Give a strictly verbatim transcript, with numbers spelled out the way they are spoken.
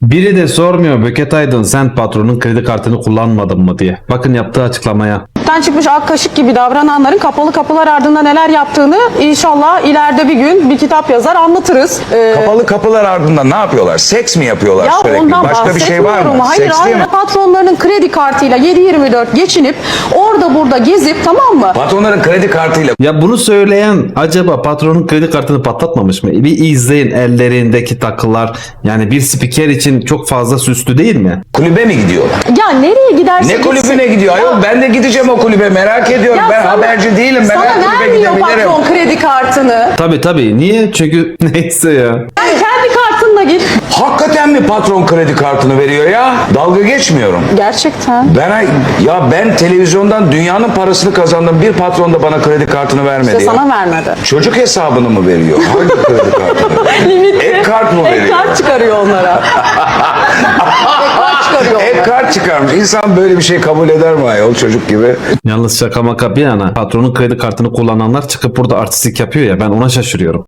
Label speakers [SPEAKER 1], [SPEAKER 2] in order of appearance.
[SPEAKER 1] Biri de sormuyor Böket Aydın sen patronun kredi kartını kullanmadın mı diye. Bakın yaptığı açıklamaya.
[SPEAKER 2] Den çıkmış ak kaşık gibi davrananların kapalı kapılar ardında neler yaptığını inşallah ileride bir gün bir kitap yazar anlatırız. Ee,
[SPEAKER 3] Kapalı kapılar ardında ne yapıyorlar? Seks mi yapıyorlar
[SPEAKER 2] ya
[SPEAKER 3] sürekli?
[SPEAKER 2] ondan
[SPEAKER 3] Başka bir şey var mı?
[SPEAKER 2] bahsetmiyorum. Hayır
[SPEAKER 3] Seks değil
[SPEAKER 2] hayır
[SPEAKER 3] mi?
[SPEAKER 2] patronlarının kredi kartıyla yedi yirmi dört geçinip orada burada gezip tamam mı?
[SPEAKER 3] Patronların kredi kartıyla
[SPEAKER 1] Ya bunu söyleyen acaba patronun kredi kartını patlatmamış mı? Bir izleyin ellerindeki takılar. Yani bir spiker için çok fazla süslü değil mi?
[SPEAKER 3] kulübe mi gidiyorlar?
[SPEAKER 2] Ya nereye giderse
[SPEAKER 3] Ne kulübüne
[SPEAKER 2] gitsin.
[SPEAKER 3] gidiyor? Ayol
[SPEAKER 2] Ya-
[SPEAKER 3] ben de gideceğim o kulübe merak ediyorum.
[SPEAKER 2] ya
[SPEAKER 3] Ben
[SPEAKER 2] sana-
[SPEAKER 3] haberci değilim. Ben
[SPEAKER 2] sana
[SPEAKER 3] her kulübe
[SPEAKER 2] vermiyor
[SPEAKER 3] gidebilirim.
[SPEAKER 2] patron kredi kartını.
[SPEAKER 1] Tabii tabii. Niye? Çünkü neyse ya.
[SPEAKER 2] Sen kendi kartınla git.
[SPEAKER 3] Hakikaten mi patron kredi kartını veriyor ya? Dalga geçmiyorum.
[SPEAKER 2] Gerçekten.
[SPEAKER 3] Ben ya ben televizyondan dünyanın parasını kazandım. Bir patron da bana kredi kartını vermedi
[SPEAKER 2] İşte
[SPEAKER 3] ya.
[SPEAKER 2] sana vermedi.
[SPEAKER 3] Çocuk hesabını mı veriyor? Hangi kredi kartını?
[SPEAKER 2] Limitli.
[SPEAKER 3] Ek kart mı
[SPEAKER 2] Ek
[SPEAKER 3] veriyor?
[SPEAKER 2] kart çıkarıyor onlara. Ek kart çıkarıyor
[SPEAKER 3] Ek
[SPEAKER 2] onlara.
[SPEAKER 3] kart çıkarmış. İnsan böyle bir şey kabul eder mi ayol çocuk gibi?
[SPEAKER 1] Yalnız şaka maka bir yana patronun kredi kartını kullananlar çıkıp burada artistlik yapıyor ya ben ona şaşırıyorum.